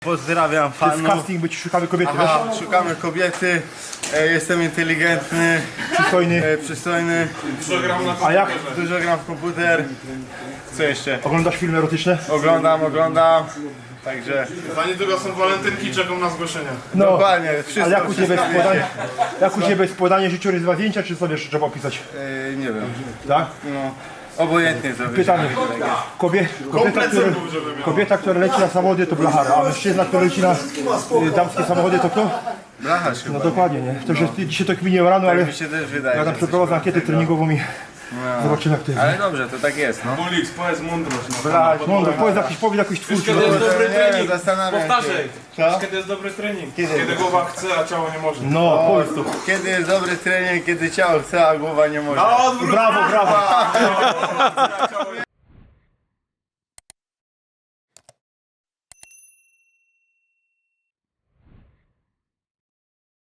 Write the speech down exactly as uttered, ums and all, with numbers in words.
Pozdrawiam W fanów. casting być szukamy kobiety, Aha, wiesz? szukamy kobiety, e, jestem inteligentny, Przystojny. e, przystojny, A jak dużo gram w komputer. Co jeszcze? oglądasz filmy erotyczne? Oglądam, oglądam. Także Za niedługo są walentynki, czekam na zgłoszenia. No, dokładnie, wszystko, ale jak u Ciebie wszystko jest podanie, wiecie. jak u Ciebie jest podanie życiorys dwa zdjęcia, czy sobie jeszcze trzeba opisać? E, nie wiem, Tak? no obojętnie to Pytanie. Kobie, kobieta, która, kobieta, która leci na samochody to blachara, a mężczyzna, który leci na y, damskie samochody to kto? Blacharz chyba. No dokładnie, nie? To, że dzisiaj to kminię rano, ale Tak mi się też wydaje. ja tam że przeprowadzę coś ankietę treningową i No. zobaczymy jak to jest. Ale dobrze, to tak jest, no. Mulix, powiedz mądrość. No. Brać, mądro, powiedz jakiś, powiedz jakiś twórczy. Kiedy jest dobry Nie wiem, trening? zastanawiam się. Powtarzaj. Co? Kiedy jest dobry trening? Kiedy? Kiedy głowa chce, a ciało nie może. No, powiedz to. Kiedy jest dobry trening, kiedy ciało chce, a głowa nie może. No, odwrót! Brawo, brawo.